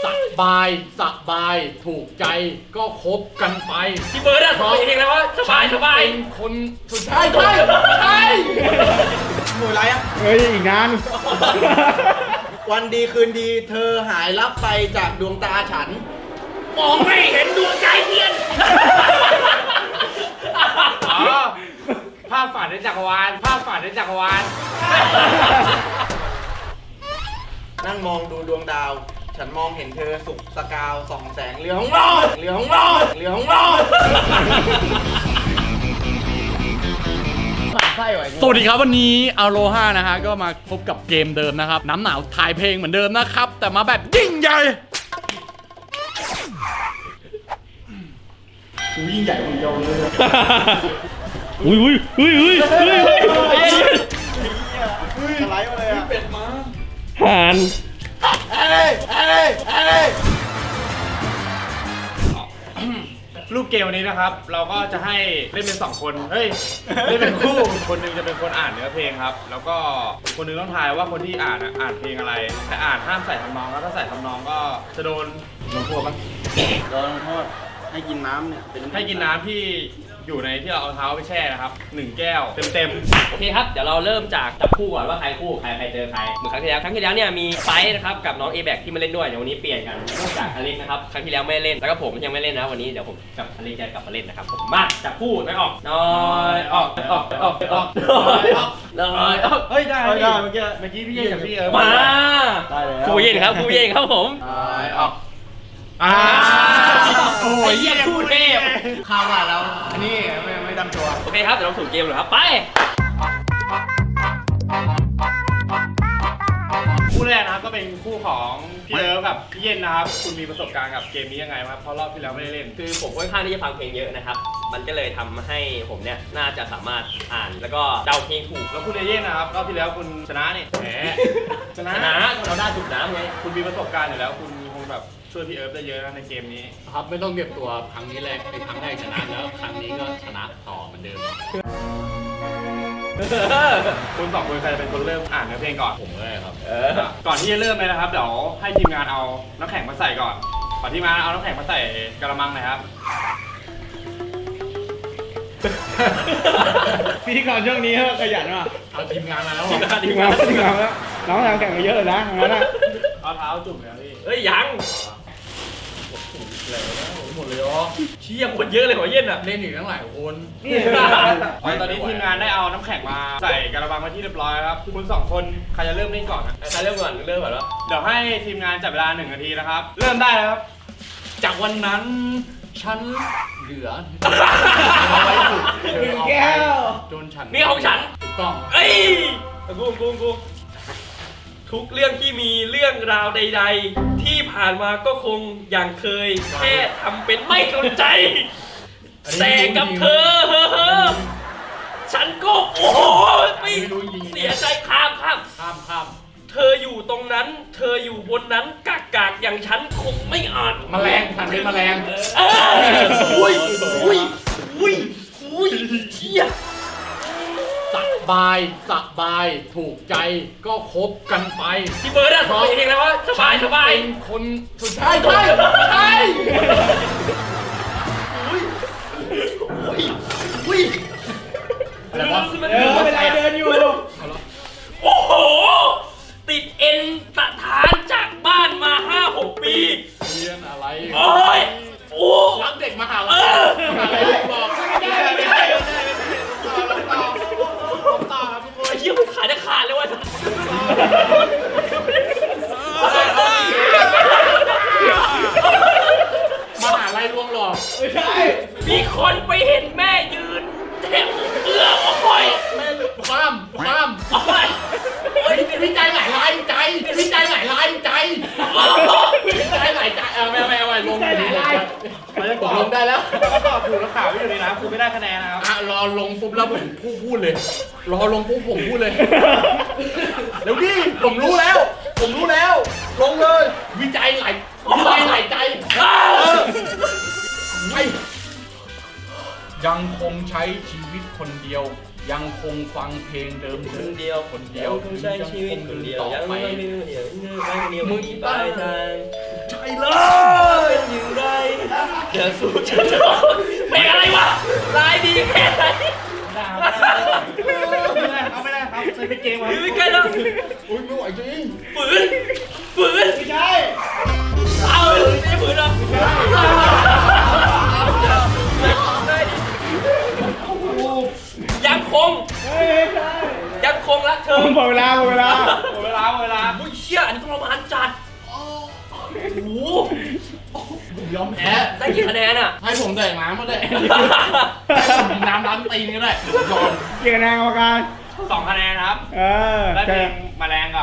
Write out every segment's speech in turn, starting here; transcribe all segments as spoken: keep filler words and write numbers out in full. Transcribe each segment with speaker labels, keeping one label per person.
Speaker 1: สบายสบายถูกใจก็คบกันไป
Speaker 2: พี่เบิร์ดอะผมเองแล้วว่าสบายสบาย
Speaker 1: เป็นคนสุดท้ายใช่ใช่หน่วยไรอ่ะ
Speaker 3: เฮ้ยอีกนาน
Speaker 4: วันดีคืนดีเธอหายลับไปจากดวงตาฉัน
Speaker 2: มองไม่เห็นดวงใจเทียนอ๋อภาพฝันในจักรวาลภาพฝันในจักรวาล
Speaker 4: นั่งมองดูดวงดาว ฉันมองเห็นเธอสุกสกาวส่องแสงเรือของเราเรือของเราเรือของเรา
Speaker 1: สวัสดีครับวันนี้อโลฮานะฮะก็มาพบกับเกมเดิมนะครับน้ำหนาวถ่ายเพลงเหมือนเดิมนะครับแต่มาแบบยิ่งใหญ่กูยิ่งใหญ่คนเดียวเลย
Speaker 3: อุ้ยอุ้ยอุ้ยอุ้ยอุ้ยอุ้ย
Speaker 4: อะไรมาเลยอ่ะเป็ดมา
Speaker 3: ห่าน
Speaker 4: เอ้ยเอ้ยเอ้ย
Speaker 2: รูปเกมวันนี้นะครับเราก็จะให้เล่นเป็นสองคนเฮ้ยเล่นเป็นคู่คนหนึงจะเป็นคนอ่านเนื้อเพลงครับแล้วก็คนหนึงต้องทายว่าคนที่อ่านอ่ะอ่านเพลงอะไรแต่อ่านห้ามใส่ทำนองแล้วถ้าใส่ทำนองก็จะโดนลงโทษปะ
Speaker 4: โดนโทษให้กินน้ำเนี่ยเป็น
Speaker 2: ให้กินน้ำที่อยู่ในที่เราเอาเท้าไปแช่นะครับหนึ่งแก้วเต็มๆ
Speaker 5: โอเคครับ เดี๋ยวเราเริ่มจากจับคู่ก่อนว่าใครคู่ใครใครเจอใครเหมือนครั้งที่แล้วครั้งที่แล้วเนี่ยมีไฟท์นะครับกับน้อง A แบกที่มาเล่นด้วยเดี๋ยววันนี้เปลี่ยนกันนอกจากอเล็กนะครับครั้งที่แล้วไม่เล่นแล้วก็ผมยังไม่เล่นนะวันนี้เดี๋ยวผมกับอเล็กจะกลับมาเล่นนะครับผมมาจับคู่ไม่ออกน้อยออกออกออกออกน้อยออกน้อยออก
Speaker 2: เฮ้ยได้
Speaker 4: ได้เมื่อกี้
Speaker 2: เมื่อกี้พี่เย่กับพี่เอิร์
Speaker 5: มา
Speaker 4: ได้แล้ว
Speaker 5: คู่เย็นครับคู่เย็นครับผม
Speaker 2: ออกอ่า
Speaker 5: โอ้ยเยี่ยคู่เทพ
Speaker 4: ข้าวว่าแล้วอันนี้ไม่ไม่ดำตัว
Speaker 5: โอเคครับเดี๋ยวเราสู่เกมเลยครับไป
Speaker 2: คู่แรกนะครับก็เป็นคู่ของพี่เอิร์กับพี่เย็นนะครับคุณมีประสบการณ์กับเกมนี้ยังไงครับเพราะรอบที่แล้วไม่ได้เล่น
Speaker 5: คือผมค่อนข้างที่จะฟังเพลงเยอะนะครับมันก็เลยทำให้ผมเนี่ยน่าจะสามารถอ่านแล้วก็เดาเพลงถูก
Speaker 2: แล้วคุณเย็นนะครับรอบที่แล้วคุณชนะนี่แหมชนะ
Speaker 5: ชนะเราได้ถูกน้ำไง
Speaker 2: คุณมีประสบการณ์อยู่แล้วคุณคงแบบช่วยพี่เอิร์ฟได้เยอะนะในเกมนี้
Speaker 1: ครับไม่ต้องเก็บตัวครั้งนี้แรกในครั้งแรกชนะแล้วครั้งนี้ก็ชนะต่อเหมือนเดิม
Speaker 2: คุณสองคนใครจะเป็นคนเริ่มอ่านเนื้อเพลงก่อน
Speaker 1: ผมเลยครับ
Speaker 5: เออ
Speaker 2: ก่อนที่จะเริ่มเลยนะครับเดี๋ยวให้ทีมงานเอาน้ำแข็งมาใส่ก่อนขอทีมงานเอาน้ำแข็งมาใส่กระมังหน่อยครับ
Speaker 3: พิธีกรช่วงนี้ขยันว่ะ
Speaker 1: เอาทีมงานมาแล้ว
Speaker 5: ทีมงาน
Speaker 3: ทีมงานทีมงานแล้วน้องทำแข่งมาเยอะเลยนะงั้นนะ
Speaker 2: เอาเท้าจุ่มเลยครับพี่
Speaker 5: เฮ้ยยัง
Speaker 1: หมดเลยอ๋อ
Speaker 5: เชี่ยคนเยอะเลยหัวเย็นอ่ะ
Speaker 1: เล่นอีกตั้งหลายคน
Speaker 2: ตอนนี้ทีมงานได้เอาน้ำแข็งมาใส่กระมังมาที่เรียบร้อยแล้วครับคุณสองคนใครจะเริ่มเล่นก่อนนะ
Speaker 5: ใครเริ่มก่อนเริ่มก่อนแล้ว
Speaker 2: เดี๋ยวให้ทีมงานจับเวลาหนึ่งนาทีนะครับเริ่มได้แล้วครับ
Speaker 1: จากวันนั้นฉันเหลือ
Speaker 3: หนึ่งแก้ว
Speaker 1: จนฉัน
Speaker 5: นี่ของฉัน
Speaker 1: ถูกต้อง
Speaker 5: เอ้ยกูกูกูทุกเรื่องที่มีเรื่องราวใด ๆ ที่ผ่านมาก็คงอย่างเคย แค่ทำเป็นไม่สนใจ แต่กับเธอ ฉันก็โอ้โหไม่เสียใจข้ามข้าม
Speaker 1: ข้ามข้าม
Speaker 5: เธออยู่ตรงนั้น เธออยู่บนนั้นกากกากๆอย่างฉันคงไม่อาจ
Speaker 1: แมลงทันเป็นแมลง
Speaker 5: เอออุ้ยอุ้ยอุ้ยอุ้ยเชี่ย
Speaker 1: สบายสบายถูกใจก็คบกันไป
Speaker 5: พี่เบิร์ดอะผมเองแล้วว่าสบายสบาย
Speaker 1: เป็นคนสุดท้ายใช่ใช่
Speaker 5: อุ้ย
Speaker 1: อะไรวะ
Speaker 3: เออเวลาเดินอยู่
Speaker 5: โอ้โห ติดเอ็นสถานจากบ้านมาห้าหกปี
Speaker 1: เรียนอะไร
Speaker 5: โอ้ยโอ้
Speaker 1: รักเด็กมหาลัยมหาลัยบอกไม่ได้ไม่ได้ไม่ได้ต่อต่อครับทุกคน
Speaker 5: ไอ้เชี่ยมันขายได้ขาดเลยวะ
Speaker 1: มหาลัยลวงหลอกไม่ใช่
Speaker 5: มีคนไปเห็นแม่ยืนแทงเอื้อโอ้ย
Speaker 1: แม่ความความ
Speaker 5: โอ้ย
Speaker 1: เฮ้ยวิจัยหลายลายใจวิจัยหลายลายใจวิจัยหลายใจเออไม่ไม่ไม่ลงลงลงได้แล้ว
Speaker 2: ก็ตอบถูกแล้วข่าวไม่อยู่ในน้ำคุณไม่ได้คะแนนนะครับ
Speaker 1: อ่ะรอลงปุ๊บแล้วผมพูดพูดเลย รอลงปุ๊บผมพูดเลยเดี๋ยวดิผมรู้แล้ว ผมรู้แล้ว ลงเลย วิจัยหลายวิจัยหลายใจเออไปยังคงใช้ชีวิตคนเดียว ยังคงฟังเพลงเดิม
Speaker 5: คนเดียว
Speaker 1: คนเดียว
Speaker 5: คงใช้ชีวิตคนเดียวยัง
Speaker 1: ต่อไป
Speaker 5: ไม่มีเดียวยังไม่มีเดียวมีปลายทาง
Speaker 1: ใช่เล
Speaker 5: อสู้ฉันจะบอกเพลงอะไรวะลายดีแค่ไหน
Speaker 2: ไม่ได้ครับไม่ได้ครับไม่เป็นเกมครับ
Speaker 5: ไม่ใกล้แล้ว
Speaker 1: อุ้ยไม่ไหวจริง
Speaker 5: ฝืนฝืน
Speaker 2: ไม่ใช่
Speaker 5: เอาไม่ใช่ฝืนหรอยังคง
Speaker 2: เฮ้ยไม่ใช่
Speaker 5: ยังคงรักเธอ
Speaker 2: หมดเวลาหมดเวลาหมดเวลาหมดเวลา
Speaker 5: อุ้ยเชี่ยอันนี้ทรมานจัดโอ้โห
Speaker 1: ผมยอมแพ้
Speaker 5: ได้กี่คะแนนอ่ะ
Speaker 1: ให้ผมแดกน้ำมาได้ให้ผมกินน้ำร้านตีนก็ได้ยอม
Speaker 2: เกี่ยวกับนางกรรมการสองคะแนนครับ เออได้เพลงแมลงกับ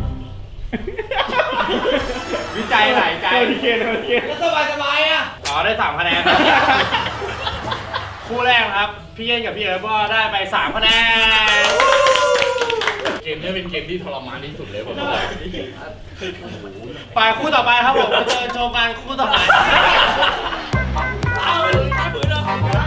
Speaker 2: วิจัยหลายใจโอเคโอเค
Speaker 5: สบายสบายอ่ะ
Speaker 2: อ๋อได้สามคะแนนครับคู่แรกครับพี่เย็นกับพี่เอ๋ก็ได้ไปสามคะแนน
Speaker 1: เกมนี้เป็นเกมที่ทรมานที่สุดเลยผมบอก
Speaker 2: ไปคู่ต่อไปครับผมมาเจอโชว์กันคู่ต่อไป
Speaker 5: เอาไม่ฝืนหรอ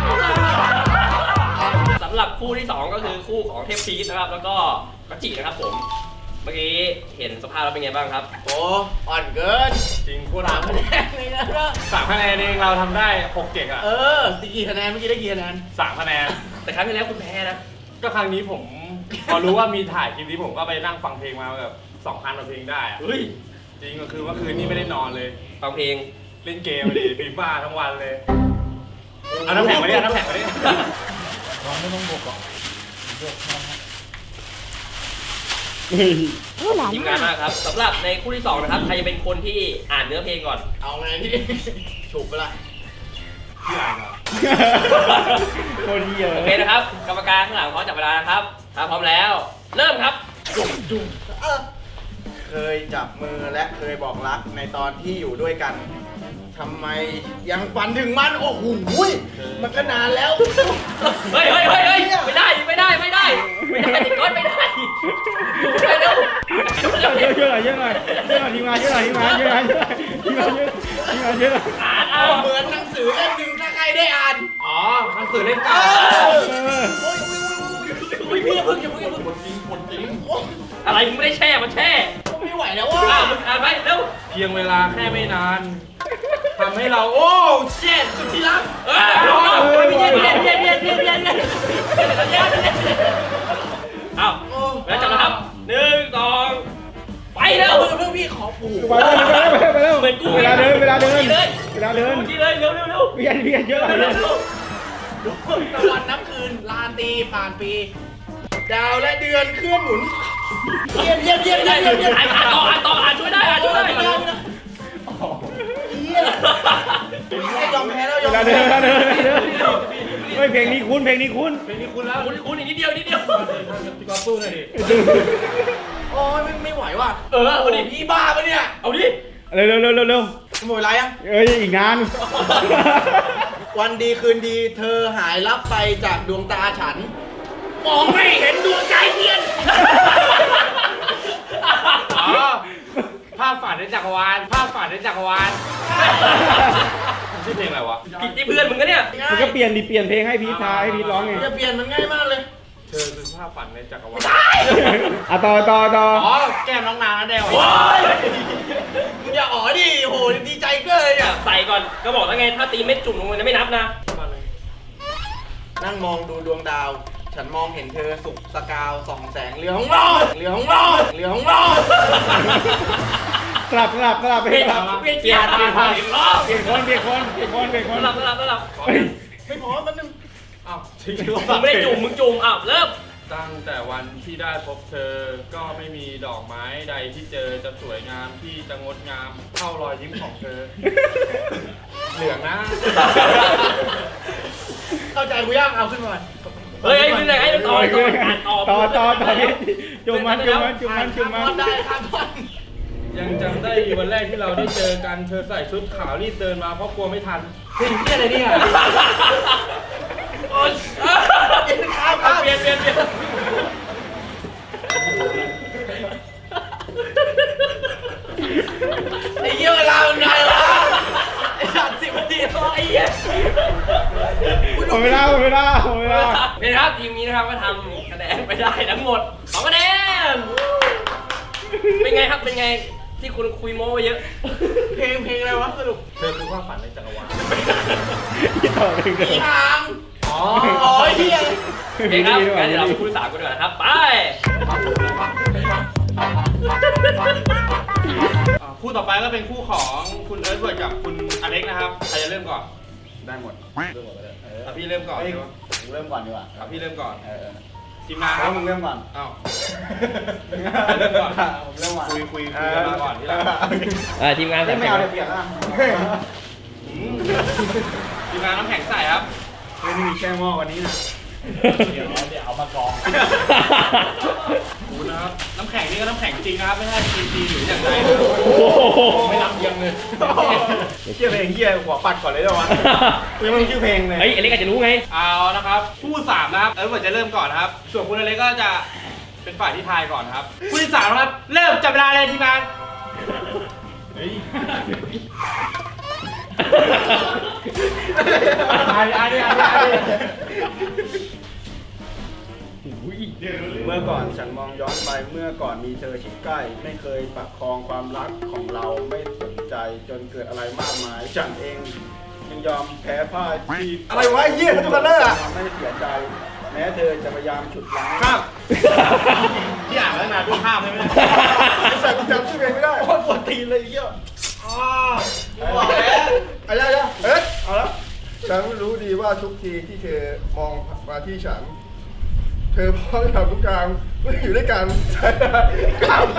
Speaker 5: สำหรับคู่ที่สองก็คือคู่ของเทพพีชนะครับ แล้วก็กัจจินะครับผม เมื่อกี้เห็นสภาพแล้วเป็นไงบ้างครับ
Speaker 4: โอ้อ่อนเกิน
Speaker 2: จริงคู่
Speaker 4: สา
Speaker 2: สาม ม
Speaker 4: คะแนนเลยนะ
Speaker 2: สามคะแนนเองเราทำได้หกเจ็ดอ่ะ
Speaker 4: เออตีกี่คะแนนเมื่อกี้ได้กี่คะแนน
Speaker 2: สามคะแนน
Speaker 5: แต่ครั้งที่แล้วคุณแพ้นะ
Speaker 2: ก็ครั้งนี้ผม พอรู้ว่ามีถ่ายคลิปนี้ผมก็ไปนั่งฟังเพลงมาแบบสองพันกว่าเพลงได้อะ
Speaker 5: เฮ้ย
Speaker 2: จริงก็คือเมื่อคืนนี้ไม่ได้นอนเลย
Speaker 5: ฟังเพลง
Speaker 2: เล่นเกมดิฟีฟ่าทั้งวันเลยเอาน้ำแข็งมาดิเอาน้ำแข็งมาดิ
Speaker 1: เราไม่ต้องบวกหรอก
Speaker 5: ทีมงานมากครับสำหรับในคู่ที่สองนะครับใครจะเป็นคนที่อ่านเนื้อเพลงก่อน
Speaker 4: เอาไงพี่ ฉุบไปละ
Speaker 2: พี่อ่านเหรอโคตรเหี้ย
Speaker 5: โอเคนะครับ กรรมการข้างหลังพร้อมจับเวลานะครับถ้าพร้อมแล้ว เริ่มครับ
Speaker 4: เออเคยจับมือและเคยบอกรักในตอนที่อยู่ด้วยกันทำไมยังฝันถึงมันโอ้โหมันก็นานแล้ว
Speaker 5: เฮ้ยเฮ้ยเฮ้ยเฮ้ยไม่ได้ไม่ได้ไม่ได้ไม่ได้ติดก้อนไม่ได้ไปเร็ว
Speaker 2: เยอะเยอะหน่อยเยอะหน่อยเยอะหน่อยทีมงานเยอะหน่อยทีมงานเยอะหน่อยทีมงานเยอะทีมงานเยอะหน่อย
Speaker 5: อ่านเอา
Speaker 4: เหมือนหนังสือเล่มหนึ่งถ้าใครได้อ่าน
Speaker 2: อ๋อหนังสือเล่น
Speaker 4: เอ
Speaker 2: เก่า
Speaker 4: อ
Speaker 5: อุ้ยพี่อย่าเพิ่งอย่าเพิ่งอย่าเพิ่ง
Speaker 1: คนจริงคนจริง
Speaker 5: อะไรมึงไม่ได้แช่มันแช่
Speaker 4: ไม่ไหวแล้ว
Speaker 5: อ่า
Speaker 4: ว่ะ
Speaker 5: มึงอ่านไปเร็ว
Speaker 2: เพียงเวลาแค่ไม่นานทำให้เราโอ้
Speaker 5: เช็ดสุดที่รักเออพี่เย็นพี่เย็นพี่เย็นพี่เย็นพี่เย็นพี่เย็นเอาแล้วจับนะครับหนึ่งสองไปเร็ว
Speaker 4: เพื่อนพี่ขอปู่
Speaker 2: ไปแล้วไปแล้วไปแล้ว
Speaker 5: เหมือนกู
Speaker 2: เวลาเดินเวลาเดิน
Speaker 5: เลย
Speaker 2: เวลาเดิน
Speaker 5: ที่เลยเร็วเร็วเร็ว
Speaker 2: เพียนเพียนเยอะหน่อย
Speaker 5: เร็วเร็ว
Speaker 4: ตะวันน้ำคืนลาตรีผ่านปี ดาวและเดือนเคลื่อนหมุนเยี่ยมเยี่ยมเยี่ยม
Speaker 5: ได้
Speaker 4: เยี่ยมเยี่ยม
Speaker 5: อ่านอ่านต่ออ่านต่ออ่านช่วยได้อ่านช่วยได้
Speaker 4: เยี่ยมเยี่ยมยอมแพ้แล้วย
Speaker 2: เว
Speaker 4: อม
Speaker 2: ลา
Speaker 4: แพ้
Speaker 2: เดินเวลาเดินเฮ้ยเพลงนี้คุ้นเพลงนี้คุ้น
Speaker 5: เพลงนี้คุณแล้วคุณคุณอีกนิดเดียวนิดเดียว
Speaker 2: พี่กอล์ฟสู้หน่อยดิ
Speaker 4: โอ้ยไม่ไม่ไหวว่ะ
Speaker 5: เออเอาดิ
Speaker 4: พี่บ้าปะเนี่ย
Speaker 5: เอาดิ
Speaker 2: เร็วเร็วเร็วเร็วเร็ว
Speaker 4: หมดเวลายัง
Speaker 2: เอ้ยอีกนาน
Speaker 4: วันดีคืนดีเธอหายลับไปจากดวงตาฉัน มองไม่เห็นดวงใจเทียน
Speaker 2: อ๋อภาพฝันในจักรวาลภาพฝันในจักรวาลชื่อเพลงอะไรวะ
Speaker 5: ผิดที่เพื่อนมึงก็เนี่ย
Speaker 2: มันก็เปลี่ยนดิเปลี่ยนเพลงให้พีททายให้พีทร้องไง
Speaker 4: จะเปลี่ยนมันง่ายมากเลย
Speaker 2: เธอคือภาพฝันในจักรวาลอ่ะต่อต่อต่ออ๋อแก้มน้องนางนะเดว
Speaker 5: โอ้ย
Speaker 4: มึงอย่าอ๋อดิโหดีใจเกินเลยอ่ะ
Speaker 5: ใส่ก่อนก็บอกแล้วไงถ้าตีเม็ดจุ่มลงไปจะไม่นับนะ
Speaker 4: นั่งมองดูดวงดาว ฉันมองเห็นเธอสุกสกาวส่องแสงเหลืองรองเหลืองรองเหลืองรอง
Speaker 2: กลับกลับกลับไป
Speaker 5: เปลี่ยน
Speaker 2: กลับ
Speaker 5: เปลี่ยนเกียร์เปลี่ยนคนอีกรอบ
Speaker 2: เปลี่ยนคนเปลี่ยนคนเปลี่ยนคนเปลี่ยนค
Speaker 5: ส
Speaker 2: น
Speaker 5: ลับสลับสลับ
Speaker 2: เฮ้ย
Speaker 4: ไม่พอแป๊บนึง
Speaker 2: อ้าวทิ้ง
Speaker 5: มึงไม่ได้จุ่มมึงจุ่มอ้าวเริ่ม
Speaker 2: ตั้งแต่วันที่ได้พบเธอ ก็ไม่มีดอกไม้ใดที่เจอจะสวยงามที่จะงดงามเท่ารอยยิ้มของเธอ เหลืองนะ
Speaker 4: เข้าใจกูยังเอาขึ้นมา
Speaker 5: เฮ้ยมึงไหนไอ้ต่อต่ออ่านต่อ
Speaker 2: ต่อต่อต่อจุ่มมันจุ่มมันจุ่มมันจุ่ม
Speaker 4: ข้าม
Speaker 2: มัน
Speaker 4: ได้ข้ามท่อน
Speaker 2: ยังจำได้อยู่วันแรกที่เราได้เจอกันเธอใส่ชุดขาวรีบเดินมาเพราะกลัวไม่ทัน
Speaker 4: เพลงเที่ยอะไรเนี่ย
Speaker 5: โอ๊ย
Speaker 4: ข้ามข้าม
Speaker 5: เปลี่ยนเปลี่ยนเปลี่ยน
Speaker 4: ไอ้เหี้ยเวลามันไงวะไอ้สัตว์สิบนาทีแล้วไอ้เหี้ย
Speaker 2: หมดเวลาหมดเวลาหมดเวลา
Speaker 5: เป็นครับทีมนี้นะครับก็ทำคะแนนไปได้ทั้งหมดสองคะแนนเป็นไงครับเป็นไงที่คุณคุยโม้ไว้เยอะ
Speaker 4: เพลงเพลงอะไรวะสรุปเธอคือความฝันในจักรวาล
Speaker 3: อย่าเอาไปเลย
Speaker 4: อีหางอ๋อโอ้ยเฮีย
Speaker 5: โอเคครับงั้นเดี๋ยวเราไปคู่ที่สามกันดีกว่านะครับ ไป
Speaker 2: อ่าคู่ต่อไปก็เป็นคู่ของคุณเอิร์ธเวิร์ดกับคุณอเล็กนะครับใครจะเริ่มก่อน
Speaker 4: ได้หมดเริ่มก่อนก็ได้เออ
Speaker 2: อ่ะพี่เริ่มก่อน
Speaker 4: เฮ้ยกูเริ่มก่อนดีกว่า
Speaker 2: อ่ะพี่เริ่มก่อน
Speaker 4: เออ
Speaker 2: ทีมงานค
Speaker 4: แล้
Speaker 2: รั
Speaker 4: ว
Speaker 2: บ
Speaker 4: มึงเริ่มก่อน
Speaker 2: อ้าว
Speaker 4: เริ่มก่อนผมเริ่มก่อน
Speaker 2: คุยคุยคุยกันมาก่อนทีหลัง
Speaker 3: อ่าทีมงาน
Speaker 4: ไม่เอาเดี๋ยวเปลี่ยนละ
Speaker 2: ทีมงานน้ำแข็งใส่ครับ
Speaker 4: ไม่มีแช่หม้อวันนี้นะเดี๋ยวเดี๋ยวเอามากรอง
Speaker 2: ดูนะครับน้ำแข็งนี่ก็น้ำแข็งจริงนะครับไม่ใช่ซีซีหรืออย่างไร
Speaker 3: โอ้โห
Speaker 1: ไม่รับเยียงเลย
Speaker 4: เชื่อเพลงเฮียหัวปัดก่อนเลยเดี๋ยววะกูยังไม่รู้ชื่อเพลงเลย
Speaker 3: เฮ้ยอเล็กอาจจะรู้ไง
Speaker 2: เอานะครับคู่สามนะครับเอิร์ธเวิร์ดจะเริ่มก่อนนะครับ ส่วนคุณอเล็กก็จะเป็นฝ่ายที่ทายก่อนนะครับคู่ที่สามนะครับเริ่มจับเวลาเลยทีมงาน
Speaker 4: อันนี้อันนี้อันนี้อันนี้เมื่อก่อนฉันมองย้อนไปเมื่อก่อนมีเธอชิดใกล้ ไม่เคยประคองความรักของเราไม่สนใจจนเกิดอะไรมากมาย ฉันเองยังยอมแพ้พ่ายที่อะไรวะไอ้เหี้ยทุกคนเลยอ่ะไม่เสียใจ แม้เธอจะพยายามฉุดล้างข้าม
Speaker 2: ที่อ่านมาตั้งนานด้วยข้ามใช่ไหม
Speaker 4: ใส่กุญแจชื่อเพลงไม่ได้โคตรปวดตีนเลยไอ้เหี้ยอ๋อบอกแล้วอะไรนะเอ๊ะเอาแล้ว
Speaker 6: ฉันรู้ดีว่าทุกทีที่เธอมองมาที่ฉัน เธอพร้อมทำทุกอย่างเพื่ออยู่ด้วยกันใช่ไหมข้ามไป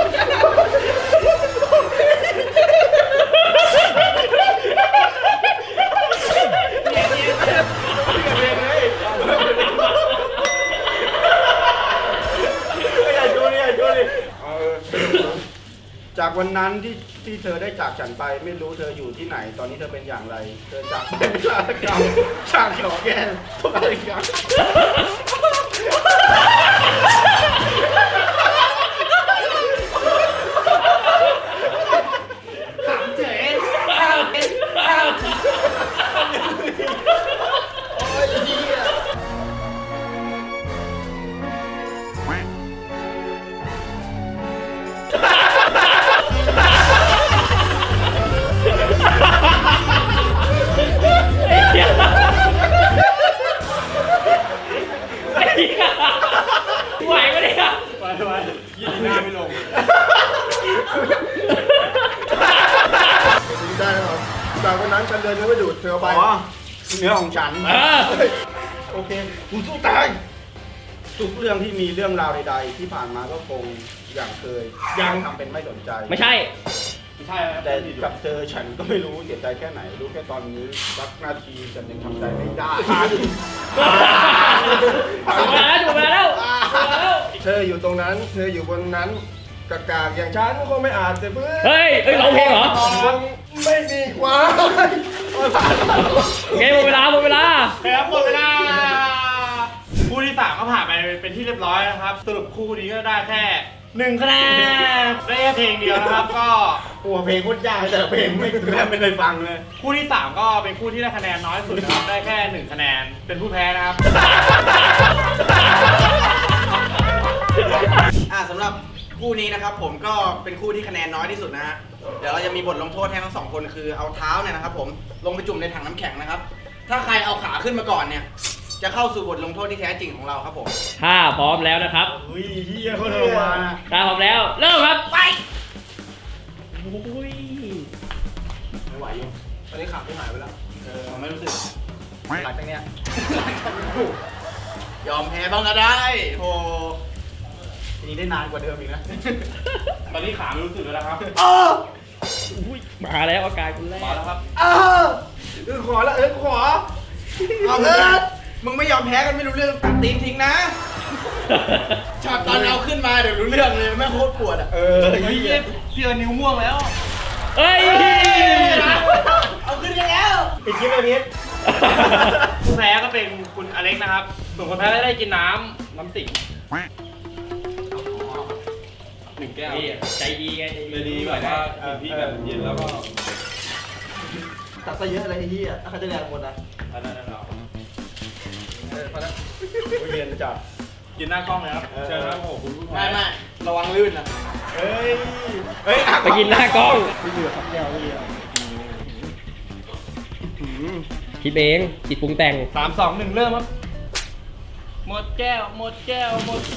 Speaker 4: จากวันนั้นที่ที่เธอได้จากฉันไปไม่รู้เธออยู่ที่ไหน ตอนนี้เธอเป็นอย่างไร เธอจากเป็นชาติกรรมชาติขอแกนทุกอะไรอย่าง
Speaker 2: สามเจ๋ข้าวข้าว
Speaker 4: โอ้ยเหี้ย
Speaker 3: ไหวไหมเนี่ย
Speaker 2: ไปไปยี่ดีหน้าไม่ลง
Speaker 6: ได้แล้วครับจากวันนั้นฉันเดินเนื้อไปดูดเธอไป
Speaker 4: อ๋อเนื้อของฉัน
Speaker 3: อ่า
Speaker 4: โอเคกูสู้ตาย ทุกเรื่องที่มีเรื่องราวใดๆ ที่ผ่านมาก็คงอย่างเคย ยังทำเป็นไม่สนใจ
Speaker 3: ไม่ใช่
Speaker 2: ไม่ใช่นะ
Speaker 4: แต่กับเธอฉันก็ไม่รู้เสียใจแค่ไหน รู้แค่ตอนนี้สักนาทีฉันยังทำใจไม่ได้
Speaker 3: จบเวลาแล้วจบเวลาแล้วจบเวลาแล้ว
Speaker 6: เธออยู่ตรงนั้น เธออยู่บนนั้นกากากอย่างฉันคงไม่อาจจะเพื่อ
Speaker 3: เฮ้ยเฮ้ยร้องเพลงเหรอ
Speaker 6: ไม่มีความ
Speaker 3: โอเคหมดเวลาหมดเวลา
Speaker 2: ครับหมดเวลาคู่ที่สามก็ผ่านไปเป็นที่เรียบร้อยนะครับ สรุปคู่นี้ก็ได้แค่หนึ่งคะแนนได้แค่เพลงเดียวนะครับ ก็
Speaker 4: กลัวเพลงโคตรยากแต่ละเพลงไม่แทบไม่เคยฟังเลย
Speaker 2: คู่ที่สามก็เป็นคู่ที่ได้คะแนนน้อยสุดนะครับ ได้แค่หนึ่งคะแนนเป็นผู้แพ้นะครับ
Speaker 4: อ่าสำหรับคู่นี้นะครับผมก็เป็นคู่ที่คะแนนน้อยที่สุดนะฮะเดี๋ยวเราจะมีบทลงโทษให้ทั้งสองคนคือเอาเท้าเนี่ยนะครับผมลงไปจุ่มในถังน้ำแข็งนะครับ ถ้าใครเอาขาขึ้นมาก่อนเนี่ย จะเข้าสู่บทลงโทษที่แท้จริงของเราครับผม
Speaker 3: ถ้าพร้อมแล้วนะครับ
Speaker 4: อุ้ยเฮียโคตรทรมานอะ
Speaker 3: ถ้าพร้อมแล้ว เริ่มครับ
Speaker 4: ไป
Speaker 3: อุ้ย
Speaker 4: ไม่ไหวอยู่ตอนนี้ขาไม่หายไปแล้วเออไม่รู้สึกหลังจากเนี้ยยอมแพ้บ้างก็ได้โอ้ทีนี้ได้นานกว่าเดิมอีกนะ
Speaker 2: ตอนนี้ขาไม่รู้สึกแล้วนะครับ
Speaker 4: เออ
Speaker 3: อุ้ยมาแล้วอาการคุณแรก
Speaker 2: มาแล้วครับ
Speaker 4: เออเออขอละเออขอเอาเออมึงไม่ยอมแพ้กันไม่รู้เรื่องตัดตีนทิ้งนะช็อตตอนเอาขึ้นมาเดี๋ยวรู้เรื่องเลยแม่งโคตรปวดอ่ะเออ
Speaker 2: เฮ้ยเชื่อนิ้วม่วงแล้ว
Speaker 3: เฮ้ย
Speaker 4: เอาขึ้นยังแล้วปิดคลิปเลยพีท
Speaker 2: ผู้แพ้ก็เป็นคุณอเล็กนะครับ ส่วนคนแพ้ก็ได้กินน้ำน้ำสิงหนึ่งแก้ว
Speaker 3: นี่ใจดีไงใจ
Speaker 2: เลยดีแบบว่ากินที่แบบเย็นแล้วก็
Speaker 4: ตัดซะเยอะเลยไอ้เหี้ยถ้าเขาจะแรงหมดนะ
Speaker 2: อันนั้นเรา
Speaker 4: เออพอแล้วเรียนจับ
Speaker 2: กินหน้ากล้องเลยครับเชิญครับโอ้โหคุณผู้แพ้
Speaker 4: ไม่ไม่ระวังลื่นนะเฮ้ยเฮ้ย
Speaker 3: ไปกินหน้ากล้อง
Speaker 4: ไม่เหลือครับแก้วไม่เหลือ
Speaker 7: คิดเองคิดปรุงแต่ง
Speaker 2: สามสองหนึ่งเริ่มครับหมดแก้วหมดแก้วหมด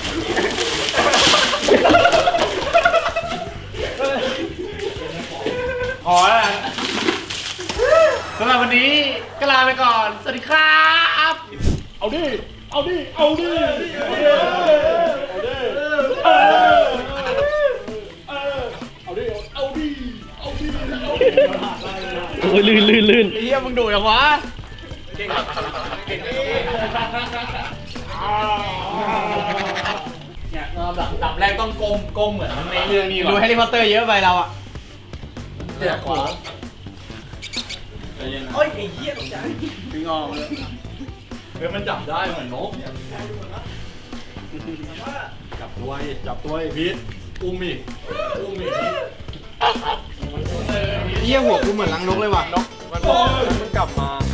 Speaker 2: พอแล้วนะสำหรับวันนี้ก็ลาไปก่อน สวัสดีครับ
Speaker 1: เอาดิ เอาดิ เอาดิ เอาดิ เอาดิ เอาดิ เอาดิ เอาดิ เอาดิ
Speaker 3: โอ้ยลื่นลื่นลื่น
Speaker 2: เฮียมึงดุอย่างวะ
Speaker 1: เนี่ยดับดับแรกต้องก้มก้มเหมือนในเรื่องนี้ก่อน
Speaker 2: ดูแฮร์รี่พอตเตอร์เยอะไปเราอ่ะ
Speaker 1: เดี๋ยวขวา
Speaker 5: โอ้ยไอ้เหี้ยตกใจ
Speaker 1: พี่งอมเลยเฮ้ยมันจับได้เหมือนนก จับตัวอีกจับตัวอีกพีทอุ้มอีกอุ้มอีกพีท
Speaker 2: เฮียหัวกูเหมือนลังนกเลยว่ะนกมันบอกมันกลับมา